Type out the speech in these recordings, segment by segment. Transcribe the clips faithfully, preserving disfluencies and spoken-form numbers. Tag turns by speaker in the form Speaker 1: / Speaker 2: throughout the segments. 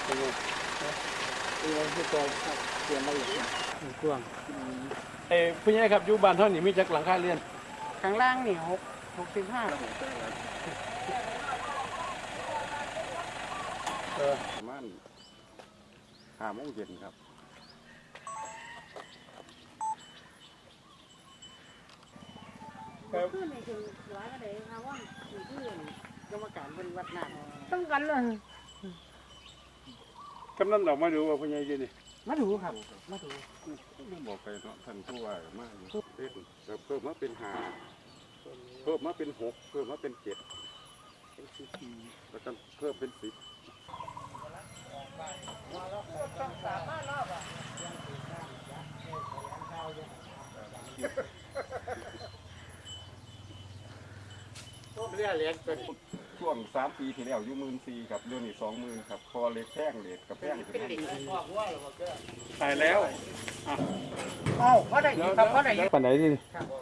Speaker 1: เป็นไงเป็นไงที่ตัวเตรียมมาอย่างกว้างเอ้พี่ใหญ่ครับอยู่บ้านเท่านี้มีจักหลังคาเรือน
Speaker 2: ข้างล่างนี่หกหกสิบห้า
Speaker 3: เออประมาณห้าโมงเย็นครับ
Speaker 2: ขึ้นในถึงร้อยก็ได้ครับว่าอยู่ที่กรรมการบริวัติน้ำต้องกันเลย
Speaker 3: กำนันเรามาดูว่าพี่ใหญ่ยืนนี่
Speaker 2: มาดูครับมาดู
Speaker 3: ไม่บอกไปเนาะท่านผู้ว่ามาเล่นเพิ่มมาเป็นห้าเพิ่มมาเป็นหกเพิ่มมาเป็นเจ็ดแล้วก็เพิ่มเป็นสิบ
Speaker 1: เรียกเลี้ยงเป็น
Speaker 3: ช่วงสามปีที่แล้วอยู่หมื่นสี่ครับเรื่องนี้สองหมื่นครับพอเล็กแพงเล็กกับแพงขึ้นมาตายแล้ว
Speaker 2: เอ้าเขาได้ยินครับเขาได้ยิน
Speaker 1: ปันไหนดิ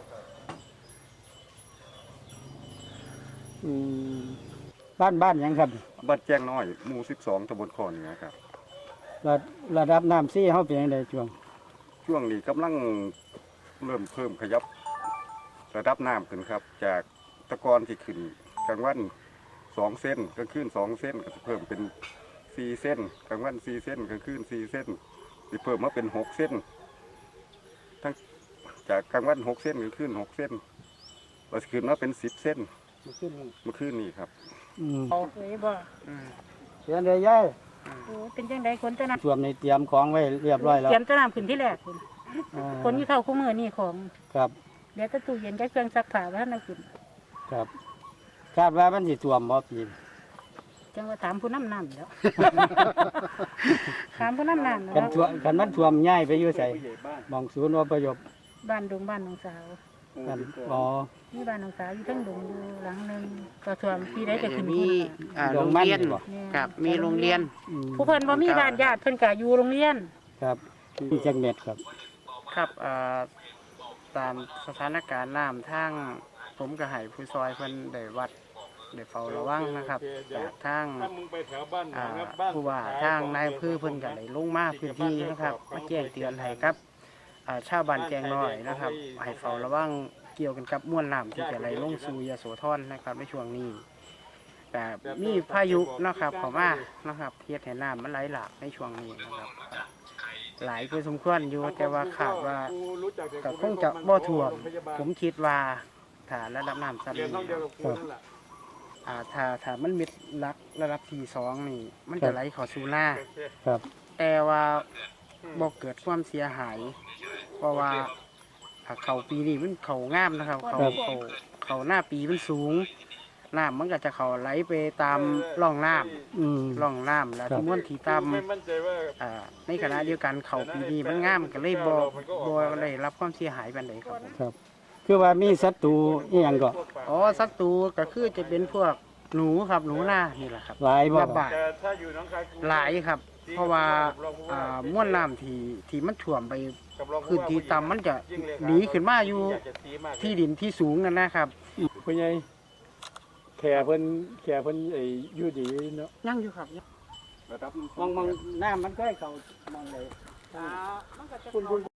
Speaker 1: บ้านบ้านยังครับ
Speaker 3: บ้านแจ้งน้อยหมู่สิบสองตำบลคอเหนือครับ
Speaker 1: ระระดับน้ำซี่เขาเป็นยังไงช่วง
Speaker 3: ช่วงนี้กำลังเริ่มเพิ่มขยับระดับน้ำขึ้นครับจากตะกอนที่ขึ้นกลางวันสองเส้นกลางคืนสองเส้นก็จะเพิ่มเป็นสี่เส้นกลางวันสี่เส้นกลางคืนสี่เส้นจะเพิ่มมาเป็นหกเส้นทั้งจากกลางวันหกเส้นกลางคืนหกเส้นเราจะขึ้นมาเป็นสิบเส้น
Speaker 1: มันขึ้นนี่
Speaker 3: เมื่อคืนนี้ครับ
Speaker 1: อืม
Speaker 2: เอาเลยบ่
Speaker 1: เสียนเลยย่าย
Speaker 2: โอ้เป็นจังไดคนจะนำ
Speaker 1: ส่วนในเตรียมของไว้เรียบร้อยแล้ว
Speaker 2: เตรียมจะนำขึ้นที่แรกคุณ
Speaker 1: อ่า
Speaker 2: คนที่เข้าคู่มือนี่ของ
Speaker 1: ครับ
Speaker 2: เดี๋ยวจะตู้เย็นกับเครื่องซักผ้าไว้ให้นำขึ้น
Speaker 1: ครับคาดว่ามันสิท่วมบ่ปีน
Speaker 2: จังว่าถามผู้นำน้ำแล้วถามผู้นำน้ำ
Speaker 1: กัน
Speaker 2: แล้ว
Speaker 1: ท่วมกันมันท่วมง่ายไปอยู่ใส่มองศูนย์อพยพ
Speaker 2: บ้านดงบ้านน้องสาว
Speaker 1: กันอ๋อ
Speaker 2: นี่บ้านน้องสาวอยู่ทั้งดงอยู่หลังหนึงก็ท่วมที่ได้จะขึ้น
Speaker 4: มี
Speaker 2: ผู้
Speaker 4: อ่า
Speaker 1: ด
Speaker 4: โรง ง
Speaker 1: มัน
Speaker 4: เรียน
Speaker 1: บ่
Speaker 4: ครับมีโรงเรียน
Speaker 1: อืม
Speaker 2: ผู้เพิ่นบ่มีบ้านญาติเพิ่นก็อยู่โรงเรียน
Speaker 1: ครับมีจักเม็ดครับ
Speaker 4: ครับอ่าตามสถานการณ์น้ำทางผมก็ให้ผู้ซอยเพิ่นได้วัดได้เฝ้าระวังนะครับจากทางอ่าผู้ว่าทางนายอำเภอเพิ่นก็ได้ลงมาพื้นที่นะครับมาแจ้งเตือนให้ครับอ่าชาวบ้านแจงน้อยนะครับให้เฝ้าระวังเกี่ยวกันกับมวลน้ำที่จะไหลลงสู่ยโสธรนะครับในช่วงนี้แต่มีพายุนะครับเข้ามานะครับเฮ็ดให้น้ำมันไหลหลากในช่วงนี้นะครับหลายคือสมควรอยู่แต่ว่าขาดว่าก็คงจะบ่ท่วมผมคิดว่าถ้าระดับน้ำซ้ำนี้อ่าถ้าถ้ามันมิดลักระดับที่สองนี่มันจะไหลเข้าสู่หน้า
Speaker 1: ครับ
Speaker 4: แต่ว่าบ่เกิดความเสียหาย เพราะว่าถ้าเขาปีนี้มันเขางามนะครับ เขาเขาเขาหน้าปีมันสูงน้ำมันก็จะเขาไหลไปตามร่องน้
Speaker 1: อืม
Speaker 4: ำร่องน้ำแล้วที่ม้วนที่ตามอ่าในขณะเดียวกันเขาปีนี้มันงามก็เลยบ่บ่ได้รับความเสียหายปานใดครับผม
Speaker 1: ครับ คือว่ามีศัตรูอีหยังก็
Speaker 4: อ๋อศัตรูก็คือจะเป็นพวกหนูครับหนูหน้านี่แหละครับ
Speaker 1: หลายบ่
Speaker 4: ระบาดหลายครับ เพราะว่าอ่าม้วนน้ำที่ที่มันท่วมไปพื้นที่ต่ำมันจะหนีขึ้นมาอยู่ที่ดินที่สูงนั่นนะครับ
Speaker 1: ผู้ใหญ่แค่เพิ่นแค่เพิ่นไอ้อยู่ดีเนาะ
Speaker 4: ยังอยู่ครับ
Speaker 3: ระดับ
Speaker 1: มองมองน้ำมันก็ให้เขามองเลย
Speaker 2: อ่ามันก็จะ
Speaker 1: คุณคุณ